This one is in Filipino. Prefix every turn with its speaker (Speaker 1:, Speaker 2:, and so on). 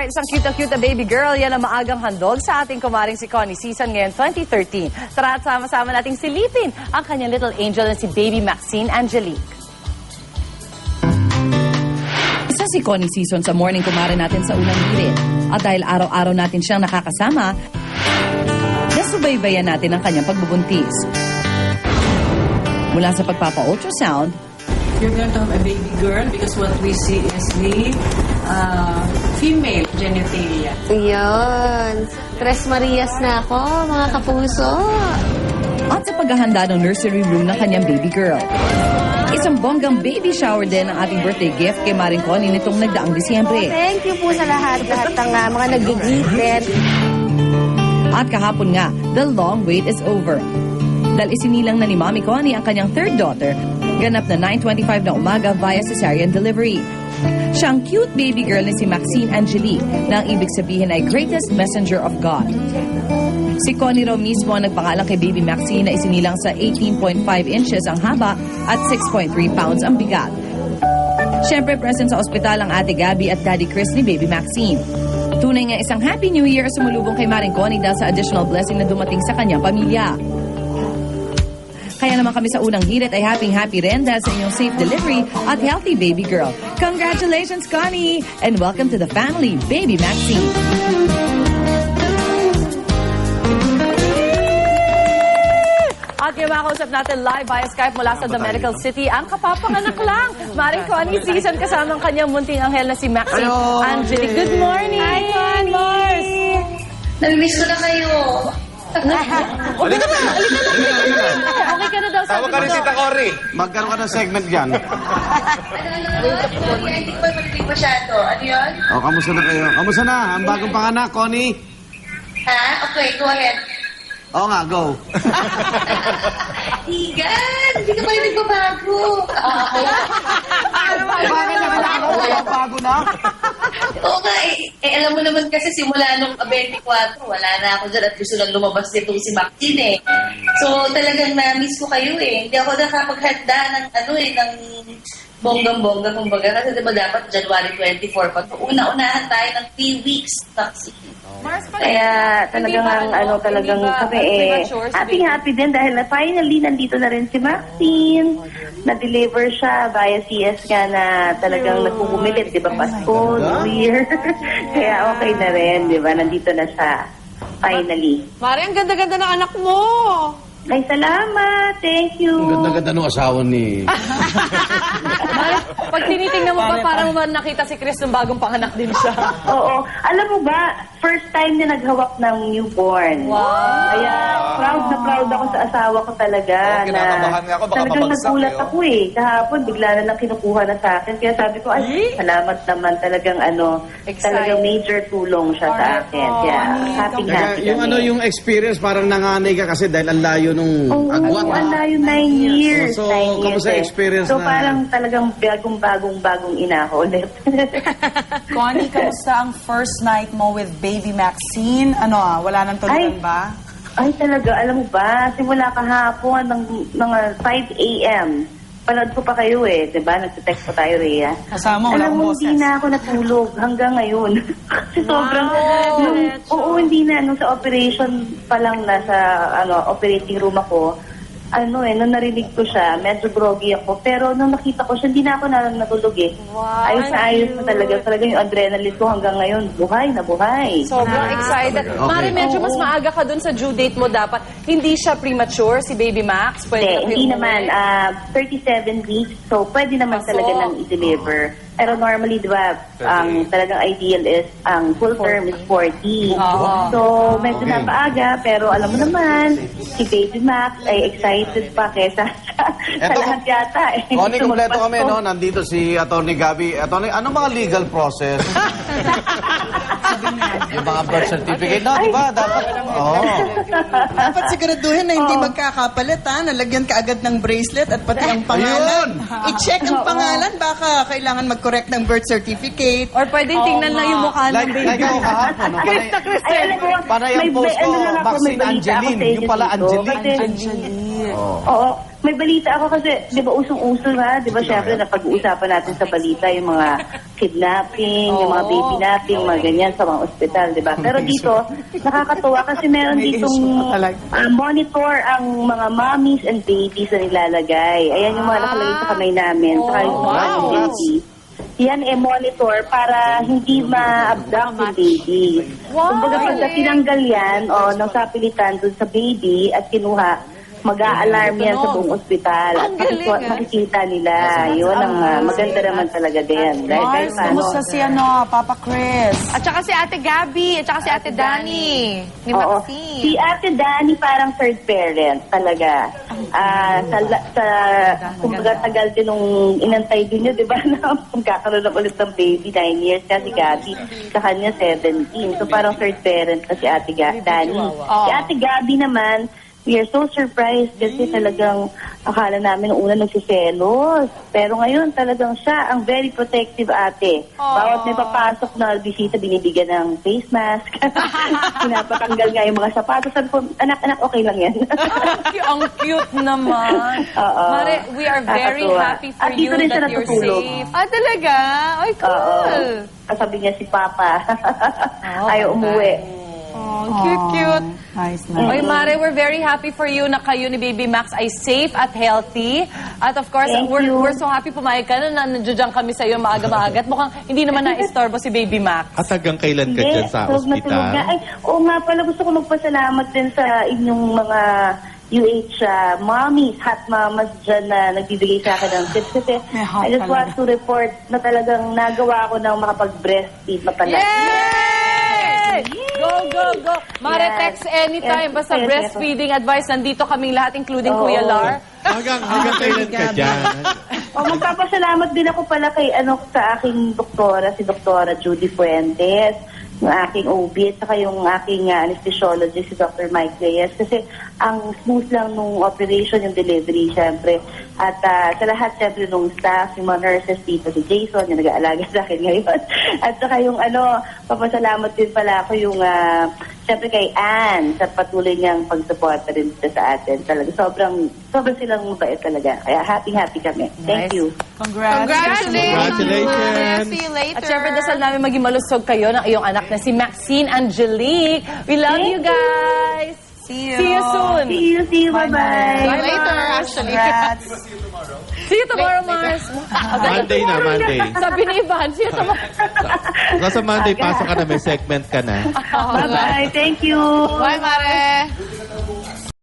Speaker 1: Alright, isang cute na baby girl. Yan ang maagang handog sa ating kumaring si Connie Season ngayon 2013. Tara at sama-sama nating silipin ang kanyang little angel na si baby Maxine Angelique. Isa si Connie Season sa morning kumare natin sa unang hirit. At dahil araw-araw natin siyang nakakasama, nasubaybayan natin ang kanyang pagbubuntis. Mula sa pagpapa-ultrasound,
Speaker 2: You're going to have a baby girl because what we see is the female genitalia.
Speaker 3: Yun. Tres Marias na ako, mga kapuso.
Speaker 1: at sa paghahanda ng nursery room ng kanyang baby girl. Isang bonggang baby shower din ang ating birthday gift kay Maring Connie nitong nagdaang Disyembre.
Speaker 3: Thank you po sa lahat ng mga nag-gift.
Speaker 1: At kahapon nga, the long wait is over. Dahil isinilang na ni Mommy Connie ang kanyang third daughter, ganap na 9:25 na umaga via cesarean delivery. Siya ang cute baby girl ni si Maxine Angelique na ang ibig sabihin ay greatest messenger of God. Si Connie raw mismo ang nagpangalan kay baby Maxine na isinilang sa 18.5 inches ang haba at 6.3 pounds ang bigat. Siyempre present sa ospital ang ate Gabby at daddy Chris ni baby Maxine. Tunay nga isang Happy New Year sumulubong kay Maring Connie dahil sa additional blessing na dumating sa kanyang pamilya. Kaya naman kami sa unang hirit ay happy rin dahil sa inyong safe delivery at healthy baby girl. Congratulations, Connie! And welcome to the family, baby Maxine. At yung makausap natin live via Skype mula sa The Medical City, ang kapapanganak lang. Maring Connie Season kasama ang kanyang munting anghel na si Maxine Angelique. Good morning!
Speaker 3: Hi, Connie!
Speaker 4: Nami-miss ko na kayo.
Speaker 1: Okay ka na daw, sabi
Speaker 5: Tawag ka
Speaker 1: mo
Speaker 5: rin si
Speaker 1: daw.
Speaker 5: Takori.
Speaker 6: Magkaroon ka ng segment dyan.
Speaker 4: Hindi ko marinig masyado. Ano yun?
Speaker 6: O, kamusta na kayo? Kamusta na? Ang bagong panganak, Connie?
Speaker 4: Ha? Okay, go ahead.
Speaker 6: Oo nga, go.
Speaker 4: Higan! Hindi ka pa rin nagbabago.
Speaker 6: Bakit nakalako? Walang bago na?
Speaker 4: Oo nga, alam mo naman kasi simula nung 24, wala na ako dyan at gusto lang lumabas nitong si Maxine eh. So talagang na-miss ko kayo eh. Hindi ako nakapaghanda ng ng bonggang-bongga kumbaga. Kasi diba dapat January 24 pa. So, una-unahan tayo ng 3 weeks vaccine.
Speaker 7: Kaya talagang talagang kami happy din dahil na finally nandito na rin si Maxine. Na-deliver siya via CS nga na talagang nagpupumilit, di ba? Pasko, New Year. Kaya okay na rin, di ba? Nandito na siya. Finally.
Speaker 2: Mari, ang ganda-ganda ng anak mo.
Speaker 7: Ay, salamat. Thank you.
Speaker 6: Ang ganda-ganda ng asawa ni...
Speaker 1: Pag tinitingnan mo pa, parang nakita si Chris nung bagong panganak din siya.
Speaker 7: Oo. Alam mo ba, first time niya naghawak ng newborn.
Speaker 1: Wow.
Speaker 7: Kaya proud na proud ako sa asawa ko talaga.
Speaker 5: Oo, kinakabahan nga ako, baka
Speaker 7: talagang
Speaker 5: mabagsak
Speaker 7: nagulat
Speaker 5: eh, oh.
Speaker 7: ako eh. Kahapon, bigla na lang kinukuha na sa akin. Kaya sabi ko, ay, salamat naman. Talagang talagang major tulong siya sa akin. Kaya happy
Speaker 6: Yung experience, parang nanganay ka kasi dahil ang layo nung agwat.
Speaker 7: Oo, ang layo, 9 years.
Speaker 6: So,
Speaker 7: 9 years
Speaker 6: kamusta
Speaker 7: eh.
Speaker 6: experience
Speaker 7: So,
Speaker 6: na-
Speaker 7: parang talagang bagong ina ko ulit.
Speaker 8: Connie, kamusta ang first night mo with baby Maxine? Wala nang tulugan ba?
Speaker 7: Ay, talaga, alam mo ba, simula kahapon ng mga 5 a.m., panood ko pa kayo eh, diba? Nagte-text pa tayo, Rhea.
Speaker 8: Kasama, wala
Speaker 7: Alam mo,
Speaker 8: akong
Speaker 7: hindi
Speaker 8: boses.
Speaker 7: na ako natulog hanggang ngayon. Kasi sobrang, hindi na, nung sa operation pa lang nasa, operating room ako, nung narinig ko siya, medyo groggy ako. Pero nung nakita ko siya, hindi na ako natulog eh.
Speaker 1: Wow,
Speaker 7: Ayos na ayos na talaga. Talagang yung adrenaline ko hanggang ngayon, buhay na buhay.
Speaker 1: Sobrang excited. Mari, medyo mas maaga ka dun sa due date mo dapat. Hindi siya premature, si Baby Max? Pwede
Speaker 7: Hindi naman. 37 weeks. So, pwede naman talaga nang i-deliver. Pero normally, di ba, ang talagang ideal is, ang full term is 40. So, medyo napaaga. Pero alam mo naman, si Baby Max ay excited pa kesa sa lahat yata.
Speaker 6: Connie, kompleto kami, no? Nandito si Atty. Gabby. Atty., ano mga legal process? Yung mga birth certificate, no? Di ba? Dapat,
Speaker 8: Dapat siguraduhin na hindi magkakapalit, ha? Nalagyan ka agad ng bracelet at pati ang pangalan. I-check ang pangalan. Baka kailangan mag-correct ng birth certificate.
Speaker 1: Or pwedeng tingnan lang yung mukha ng
Speaker 6: Like
Speaker 1: baby.
Speaker 6: ako kahapon, no?
Speaker 7: Ay, alam mo,
Speaker 6: Panay ang
Speaker 7: may
Speaker 6: post ko,
Speaker 7: ano lang ako, may
Speaker 6: Maxine
Speaker 7: balita ako
Speaker 6: Angeline.
Speaker 7: sa inyo
Speaker 6: Yung pala
Speaker 7: dito.
Speaker 6: Angeline.
Speaker 7: Kasi Oo. May balita ako kasi, di ba, usong-uso nga, di ba, syempre, napag-uusapan natin sa balita yung mga kidnapping, yung mga baby napping, mga ganyan sa mga ospital, di ba? Pero dito, nakakatuwa kasi meron ditong monitor ang mga mommies and babies na nilalagay. Ayan yung mga nakalagay sa kamay namin, saka yung mga babies. Yan monitor para hindi ma-abduct yung baby. Kumbaga pagka tinanggal yan ng sapilitan dun sa baby at kinuha, mag-a-alarm yan sa buong ospital. At makikita nila. Yun ang maganda naman talaga din. Dahil
Speaker 5: Kumusta si Papa Chris? At saka si Ate Gabby, at saka si Ate Dani. Ni
Speaker 7: Oo.
Speaker 5: Maxine.
Speaker 7: Si Ate Dani parang third parent talaga. Kumbaga tagal din nung inantay din niya, di ba, na magkakaroon na ulit ng baby, 9 years kasi Gabby. Sa kanya, 17. So parang third parent na si Ate Dani. Si Ate Gabby naman, we are so surprised kasi talagang akala namin nung una nagsiselos. Pero ngayon talagang siya ang very protective ate. Bawat may papasok na bisita, binibigyan ng face mask. Pinapatanggal nga yung mga sapatos. Sabi ko, anak, okay lang yan.
Speaker 5: Ang cute naman.
Speaker 7: Oo.
Speaker 5: Mare, we are very
Speaker 7: Nakakatuwa.
Speaker 5: happy for
Speaker 7: At dito
Speaker 5: you
Speaker 7: rin siya
Speaker 5: that you're
Speaker 7: natutulog.
Speaker 5: safe. Ah, talaga? Ay, cool.
Speaker 7: Oo. Sabi niya si Papa. Ayaw umuwi.
Speaker 5: Oh, cute.
Speaker 8: Nice,
Speaker 5: Oy, Mare, we're very happy for you na kayo ni Baby Max ay safe at healthy. At of course,
Speaker 7: Thank
Speaker 5: we're
Speaker 7: you.
Speaker 5: so happy pumayag ka na nandiyan kami sa iyo maaga-maaga. At mukhang hindi naman na-istorbo si Baby Max.
Speaker 9: At hanggang kailan ka dyan sa
Speaker 7: tulog na tulog na.
Speaker 9: ospital?
Speaker 7: Ay, oo nga pala, gusto ko magpasalamat din sa inyong mga UH mommies, hot mamas dyan na nagbibigay sa akin ng tips. Kasi
Speaker 8: May hot
Speaker 7: I just
Speaker 8: talaga.
Speaker 7: want to report na talagang nagawa ko ng makapag-breastfeed na pala.
Speaker 5: Yay! Go! Mare,
Speaker 7: Yes.
Speaker 5: text anytime.
Speaker 7: Yes.
Speaker 5: Basta
Speaker 7: Yes.
Speaker 5: breastfeeding advice. Nandito kaming lahat, including
Speaker 7: Oo.
Speaker 5: Kuya Lar.
Speaker 9: Hanggang kailan ka dyan?
Speaker 7: Magpapasalamat din ako pala kay sa aking doktora, si Doktora Judy Fuentes, yung aking OB, at saka yung aking anesthesiologist, si Dr. Mike Reyes. Kasi ang smooth lang nung operation, yung delivery, syempre. At sa lahat, syempre, nung staff, yung mga nurses dito, si Jason, yung nag-aalaga sa akin ngayon. At saka yung papasalamat din pala ako yung, syempre kay Anne, sa patuloy niyang pagsuporta rin dito sa atin. Talaga, sobrang silang mabait talaga. Kaya happy kami. Thank you.
Speaker 5: Congratulations!
Speaker 9: Congratulations!
Speaker 5: See you later. At syempre, dasal namin maging malusog kayo ng iyong anak na si Maxine Angelique. We love you guys! See you soon!
Speaker 7: See you, bye-bye.
Speaker 5: later, actually. See you tomorrow, Mars.
Speaker 9: Monday na, Monday.
Speaker 5: Sabi ni Ivan, see you tomorrow.
Speaker 9: Sa Monday, pasok ka na, may segment ka na.
Speaker 7: Bye-bye. Thank you.
Speaker 5: Bye, Mare.